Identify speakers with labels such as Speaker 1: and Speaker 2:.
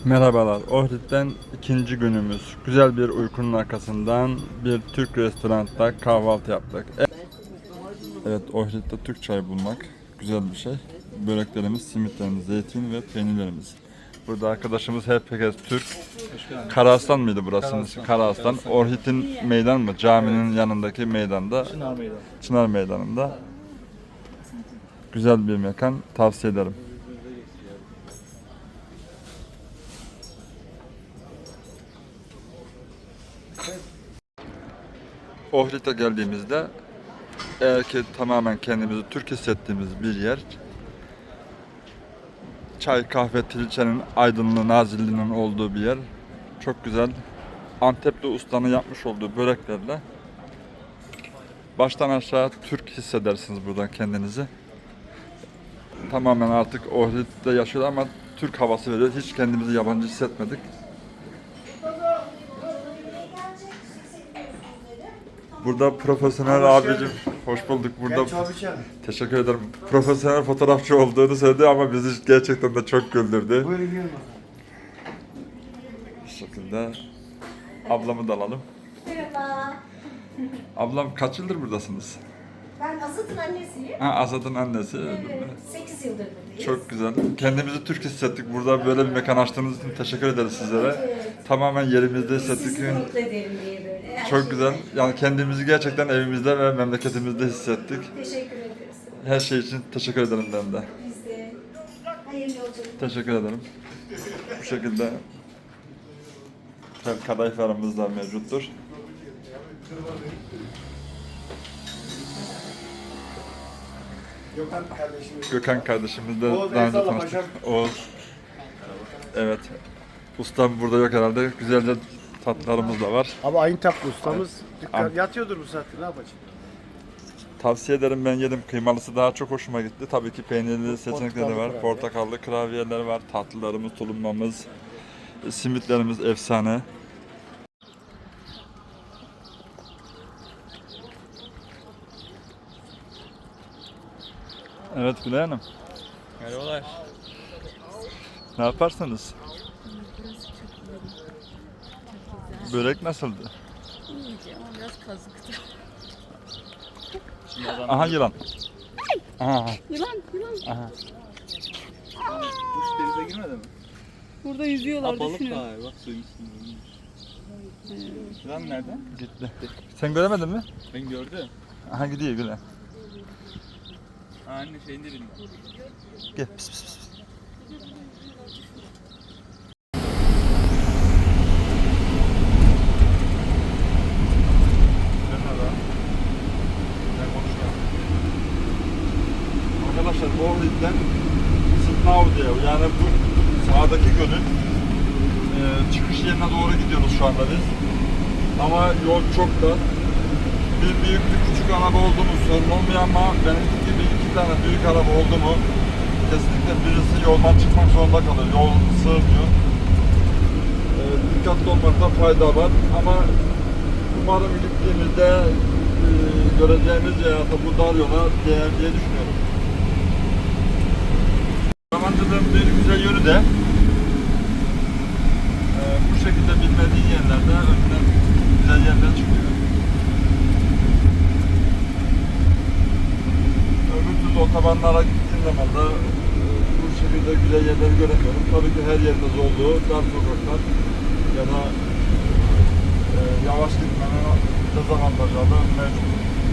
Speaker 1: Merhabalar, Ohrid'den ikinci günümüz. Güzel bir uykunun arkasından bir Türk restoranda kahvaltı yaptık. Evet, Ohrid'de Türk çayı bulmak güzel bir şey. Böreklerimiz, simitlerimiz, zeytin ve peynirlerimiz. Burada arkadaşımız herkes Türk. Karaaslan mıydı burası? Karaaslan. Ohrid'in meydan mı? Caminin yanındaki meydanda. Çınar Meydanı'nda. Güzel bir mekan, tavsiye ederim. Ohrid'e geldiğimizde eğer ki tamamen kendimizi Türk hissettiğimiz bir yer, çay, kahve, trilcenin aydınlığı, nazilliğinin olduğu bir yer. Çok güzel Antepli ustanın yapmış olduğu böreklerle baştan aşağı Türk hissedersiniz buradan kendinizi. Tamamen artık Ohrid'de yaşıyor ama Türk havası veriyor. Hiç kendimizi yabancı hissetmedik. Burada profesyonel abicim, hoş bulduk. Burada teşekkür ederim. Profesyonel fotoğrafçı olduğunu söyledi ama bizi gerçekten de çok güldürdü.
Speaker 2: Buyurun gelin.
Speaker 1: Bu şekilde ablamı da alalım.
Speaker 3: Merhaba.
Speaker 1: Ablam kaç yıldır buradasınız?
Speaker 3: Ben Azat'ın annesiyim.
Speaker 1: Azad'ın annesi.
Speaker 3: 8 yıldır buradayız.
Speaker 1: Çok güzel. Kendimizi Türk hissettik. Burada böyle bir mekan açtığınız için teşekkür ederiz sizlere. Tamamen yerimizde hissettik.
Speaker 3: Sizi mutlu ederim diye böyle.
Speaker 1: Çok güzel. Yani kendimizi gerçekten evimizde ve memleketimizde hissettik.
Speaker 3: Teşekkür ederiz.
Speaker 1: Her şey için teşekkür ederim ben de.
Speaker 3: Biz de. Hayırlı yolculuk.
Speaker 1: Teşekkür ederim. Bu şekilde kadayıflarımız da mevcuttur. Gökhan kardeşimiz de
Speaker 2: Oğuz,
Speaker 1: daha önce
Speaker 2: eyvallah
Speaker 1: tanıştık.
Speaker 2: paşam.
Speaker 1: Oğuz. Evet. Ustam burada yok herhalde. Güzelce tatlılarımız da var.
Speaker 2: Abi aynı tatlı ustamız. Dükkan
Speaker 1: Abi.
Speaker 2: yatıyordur bu saatte, ne yapacak?
Speaker 1: Tavsiye ederim, ben yedim. Kıymalısı daha çok hoşuma gitti. Tabii ki peynirli seçenekleri var.
Speaker 2: kurabiye.
Speaker 1: Portakallı kurabiyeler var. Tatlılarımız, tulumamız, simitlerimiz efsane. Evet Gülay Hanım.
Speaker 4: Merhabalar.
Speaker 1: Ne yaparsınız? Börek nasıldı?
Speaker 5: İyiydi ama biraz kazıktı.
Speaker 1: Aha yılan. Aha.
Speaker 5: Yılan, yılan.
Speaker 1: Aha.
Speaker 4: Kuş denize girmedi mi?
Speaker 5: Burada yüzüyorlar,
Speaker 4: Balık
Speaker 5: düşünün.
Speaker 4: var bak suyun üstünde. Yılan nerede?
Speaker 1: Gitti. Sen göremedin mi?
Speaker 4: Ben gördüm.
Speaker 1: Aha gidiyor Gülay.
Speaker 4: Anne şeyin dibinde.
Speaker 1: Gel. Pis pis pis. Arkadaşlar Ohrid'den Sıtnav diye, yani bu sağdaki gölün çıkış yerine doğru gidiyoruz şu anda biz. Ama yol çok da. Bir büyük bir küçük araba oldu mu sorun olmuyor ama benimki gibi iki tane büyük araba oldu mu kesinlikle birisi yoldan çıkmak zorunda kalır. Yol sığmıyor. Dikkatli olmakta fayda var ama umarım gittiğimizde göreceğimiz hayata bu dar yola değer diye düşünüyorum. Yamancılığın bir güzel yönü de bu şekilde bilmediğin yerlerde önüne güzel yerler çıkıyor. Öbür türlü otobanlara gittiğim zaman da bu şekilde güzel yerleri göremiyorum. Tabii ki her yerde olduğu dar sokaklar ya da yavaş gitmenin dezavantajları mevcut.